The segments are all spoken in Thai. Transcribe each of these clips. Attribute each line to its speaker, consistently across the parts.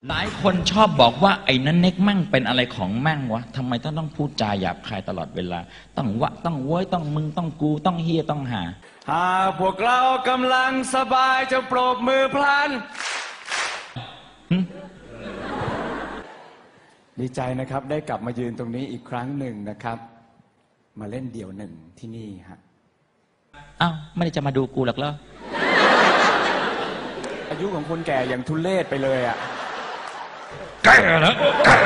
Speaker 1: หลายคนชอบบอกว่าไอ้นั่นเน็กมั่งเป็นอะไรของมั่งวะทำไมต้องพูดจาหยาบคายตลอดเวลาต้องวะต้องโว้ยต้องมึงต้องกูต้องเฮียต้องหา
Speaker 2: พวกเรากำลังสบายจะปรบมือพลันดีใจนะครับได้กลับมายืนตรงนี้อีกครั้งหนึ่งนะครับมาเล่นเดี่ยวหนึ่งที่นี่ฮะ
Speaker 1: อ้าวไม่ได้จะมาดูกูหรอกเหรอ
Speaker 2: อายุของคนแก่อย่างทุเรศไปเลยอ่ะ
Speaker 1: แก่แล้ว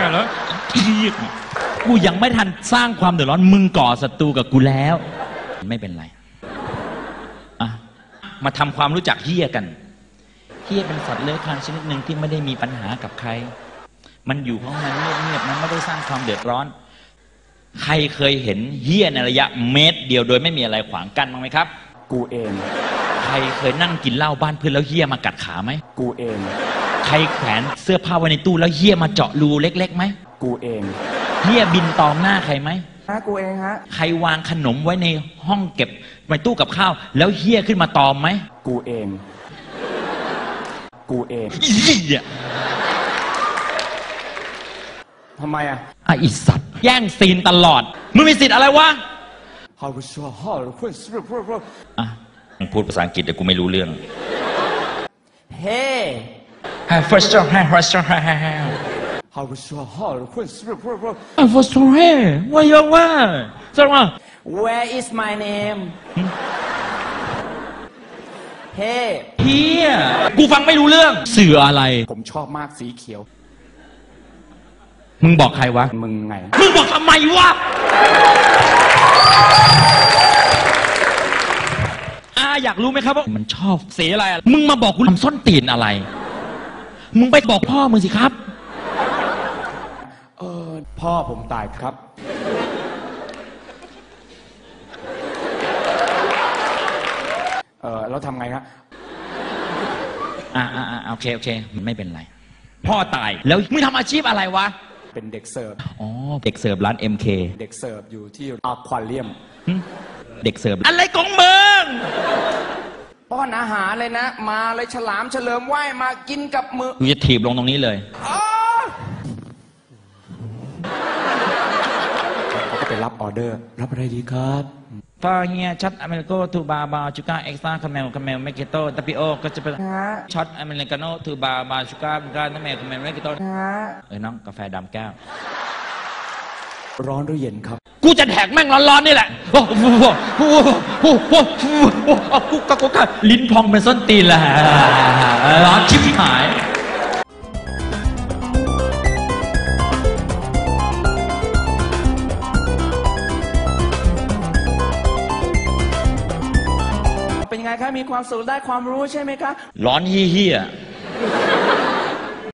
Speaker 1: กูยังไม่ทันสร้างความเดือดร้อนมึงก่อศัตรูกับกูแล้วไม่เป็นไรอ่ะมาทำความรู้จักเฮียกันเฮียเป็นสัตว์เลื้อยคลานชนิดหนึ่งที่ไม่ได้มีปัญหากับใครมันอยู่ของมันเงียบๆมันไม่ได้สร้างความเดือดร้อนใครเคยเห็นเฮียในระยะเมตรเดียวโดยไม่มีอะไรขวางกั้นบ้างไหมครับ
Speaker 2: กูเอง
Speaker 1: ใครเคยนั่งกินเหล้าบ้านเพื่อนแล้วเฮียมากัดขาไหม
Speaker 2: กูเอง
Speaker 1: ใครแขวนเสื้อผ้าไว้ในตู้แล้วเฮียมาเจาะรูเล็กๆไหม
Speaker 2: กูเอง
Speaker 1: เฮียบินตอมหน้าใครไหม
Speaker 2: กูเองฮะ
Speaker 1: ใครวางขนมไว้ในห้องเก็บในตู้กับข้าวแล้วเฮียขึ้นมาตอมไหม
Speaker 2: กูเองกูเองทำไมอ่ะ
Speaker 1: อีสัตว์แย่งซีนตลอดมึงมีสิทธิ์อะไรวะอ่ะมึงพูดภาษาอังกฤษแต่กูไม่รู้เรื่อง
Speaker 2: เฮ้
Speaker 1: first of all first of all first of all ว่ายังว่าสวัสดี
Speaker 2: Where is my name เฮ้
Speaker 1: เฮียกูฟังไม่รู้เรื่องเสืออะไร
Speaker 2: ผมชอบมากสีเขียว
Speaker 1: มึงบอกใครวะ
Speaker 2: มึงไง
Speaker 1: มึงบอกทำไมวะอยากรู้ไหมครับว่ามันชอบสีอะไรมึงมาบอกกูทำส้นตีนอะไรมึงไปบอกพ่อมึงสิครับ
Speaker 2: พ่อผมตายครับแล้วทำไงครับ
Speaker 1: โอเคไม่เป็นไรพ่อตายแล้วมึงทำอาชีพอะไรวะ
Speaker 2: เป็นเด็กเสิร์ฟ
Speaker 1: อ๋อเด็กเสิร์ฟร้าน MK
Speaker 2: เด็กเสิร์ฟอยู่ที่อควาเรียม
Speaker 1: เด็กเสิร์ฟอะไรของมึง
Speaker 2: ป้อนอาหารเลยนะมาเลยฉลามเฉลิมว่ายมากินกับมือ
Speaker 1: กูจะถีบลงตรงนี้เลย
Speaker 2: เขาก็ไปรับออเดอร์รับอะไรดีครับ
Speaker 1: ฟาเฮียช็อตอเมริโกทูบาบาชูการ์เอ็กซ์ตร้าคาเมลเมกิโต้ตาปิโอก็จะเป็นช็อตอเมริกาโน่ทูบาบาชูการ์คาเมลเมกิโต้น้องกาแฟดำแก้ว
Speaker 2: ร้อนหรือเย็นครับ
Speaker 1: กูจะแดกแม่งร้อนๆนี่แหละกูลิ้นพองเป็นส้นตีนแหละร้อนชิบหาย
Speaker 2: เป็นยังไงคะมีความสุขได้ความรู้ใช่ไหมคะ
Speaker 1: ร้อนเฮี้ย